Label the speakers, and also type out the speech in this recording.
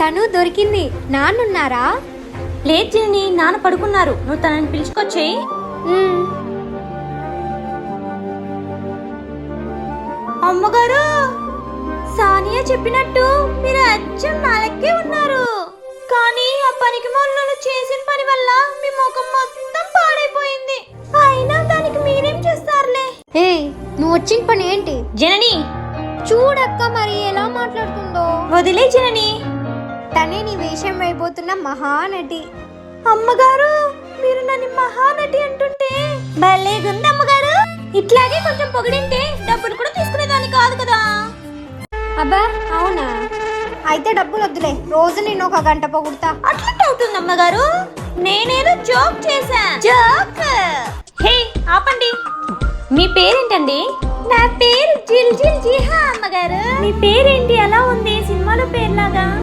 Speaker 1: తను దొరికింది. నాన్నున్నారా?
Speaker 2: లేదు జనని, నాన్న పడుకున్నారు. నువ్వు తనని పిలుచుకొచ్చేయి. అమ్మగారు, సానియా చెప్పినట్టు మీరు అచ్చం నాలకే ఉన్నారు. కానీ ఆ పనికి మొదలు చేసిన పని వల్ల మీ ముఖం మొత్తం పాడైపోయింది. అయినా దానికి మీరేం చేస్తారులే.
Speaker 1: ఏ, నువ్వు వచ్చిన పని ఏంటి?
Speaker 2: జనని
Speaker 1: చూడక్క మరి ఎలా మాట్లాడుతుందో.
Speaker 2: వదిలే జనని,
Speaker 1: తనే నీ వేషం అయిపోతున్న మహానటి.
Speaker 2: అమ్మగారు, మీరు నన్ను మహానటి అంటుంటే భలేగుంది అమ్మగారు. ఇట్లాగే కొంచెం పొగిడింటే డబ్బులు కూడా తీసుకునేదాన్ని కాదు కదా.
Speaker 1: అబ్బా అవునా? అయితే డబ్బులు వద్దులే, రోజు నేను 1 గంట పొగుడుతా.
Speaker 2: అట్లా అవుతుంది అమ్మగారు. నేనేదో జోక్ చేశా. జోక్. హే ఆపండి. మీ పేరేంటండి? నా పేరు జిల్ జిల్ జిహా అమ్మగారు. మీ పేరేంటి అలా ఉంది సినిమాలో పేరులాగా?